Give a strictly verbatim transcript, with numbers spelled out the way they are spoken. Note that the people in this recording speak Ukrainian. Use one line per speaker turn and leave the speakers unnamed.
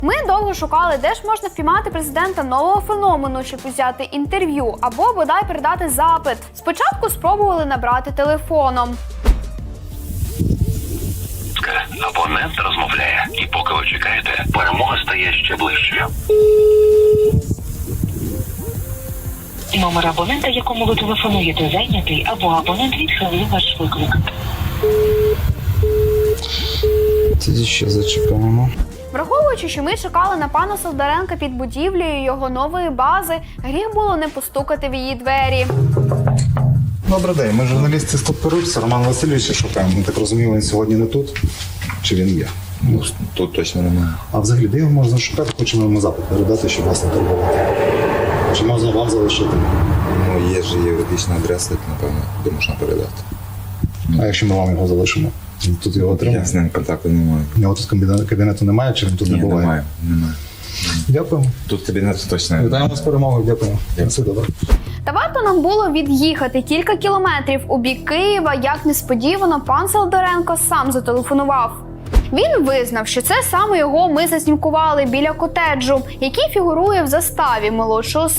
Ми довго шукали, де ж можна впіймати президента нового феномену, щоб взяти інтерв'ю або бодай передати запит. Спочатку спробували набрати телефоном.
Абонент розмовляє, і поки ви чекаєте, перемога стає ще ближчою.
Номер абонента, якому ви телефонуєте, зайнятий, або абонент відхилив ваш виклик.
Тоді ще зачекаємо.
Враховуючи, що ми чекали на пана Солдаренка під будівлею його нової бази, гріх було не постукати в її двері.
Добрий день, ми журналісти з Топперуться, Роман Васильовича шукаємо. Ми так розуміємо, він сьогодні не тут. Чи він є?
Ну, тут точно немає.
А взагалі, де його можна шукати? Хочемо йому запит передати, щоб вас не турбувати. Чи можна вам залишити?
Ну, є ж юридична адреса, напевно, де можна передати.
А якщо ми вам його залишимо? Тут його
Я
отримаємо?
з ним контакту не маю.
У нього тут кабінету, кабінету немає, чи він тут
Ні,
не буває?
немає, немає.
Дякуємо.
Тут кабінету точно немає.
Вітаємо з перемогою, дякую. На все добре.
Та варто нам було від'їхати кілька кілометрів у бік Києва, як несподівано пан Солдаренко сам зателефонував. Він визнав, що це саме його ми заснімкували біля котеджу, який фігурує в заставі молодшого